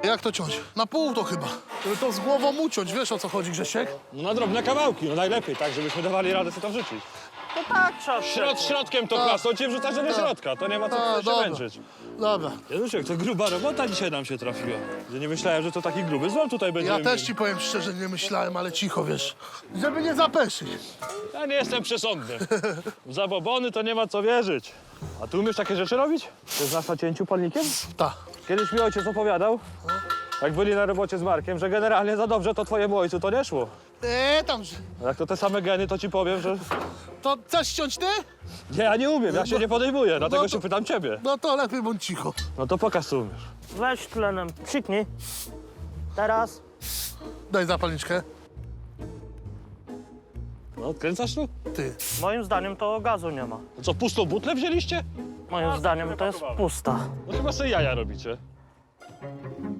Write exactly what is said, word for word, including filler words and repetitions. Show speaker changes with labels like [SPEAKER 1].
[SPEAKER 1] Jak to ciąć? Na pół to chyba. Żeby to z głową uciąć, wiesz o co chodzi, Grzesiek?
[SPEAKER 2] No na drobne kawałki, no najlepiej, tak, żebyśmy dawali radę sobie to wrzucić.
[SPEAKER 3] To tak trzeba
[SPEAKER 2] Środ, środkiem to
[SPEAKER 1] Tak.
[SPEAKER 2] klasą cię wrzucasz do
[SPEAKER 1] Tak.
[SPEAKER 2] środka, to nie ma co
[SPEAKER 1] Tak,
[SPEAKER 2] się
[SPEAKER 1] dobra.
[SPEAKER 2] męczyć.
[SPEAKER 1] Dobra.
[SPEAKER 2] Januszek, to gruba robota dzisiaj nam się trafiła. Ja nie myślałem, że to taki gruby złom tutaj będzie.
[SPEAKER 1] Ja też ci powiem szczerze, nie myślałem, ale cicho, wiesz. Żeby nie zapeszyć.
[SPEAKER 2] Ja nie jestem przesądny. W zabobony to nie ma co wierzyć. A ty umiesz takie rzeczy robić? Ty znasz na cięciu palnikiem?
[SPEAKER 1] Ta.
[SPEAKER 2] Kiedyś mi ojciec opowiadał, jak byli na robocie z Markiem, że generalnie za dobrze to twojemu ojcu to nie szło.
[SPEAKER 1] Eee, tam, że-
[SPEAKER 2] A jak to te same geny, to ci powiem, że...
[SPEAKER 1] to chcesz ściąć ty?
[SPEAKER 2] Nie, ja nie umiem, ja się nie podejmuję, dlatego
[SPEAKER 1] to-
[SPEAKER 2] się pytam ciebie.
[SPEAKER 1] No to lepiej bądź cicho.
[SPEAKER 2] No to pokaż, co umiesz.
[SPEAKER 3] Weź tlenem, psiknij. Teraz.
[SPEAKER 1] Daj zapalniczkę.
[SPEAKER 2] No, odkręcasz tu?
[SPEAKER 1] Ty.
[SPEAKER 3] Moim zdaniem to gazu nie ma.
[SPEAKER 2] No co, pustą butlę wzięliście?
[SPEAKER 3] Moim zdaniem to jest pusta.
[SPEAKER 2] No chyba sobie jaja robicie.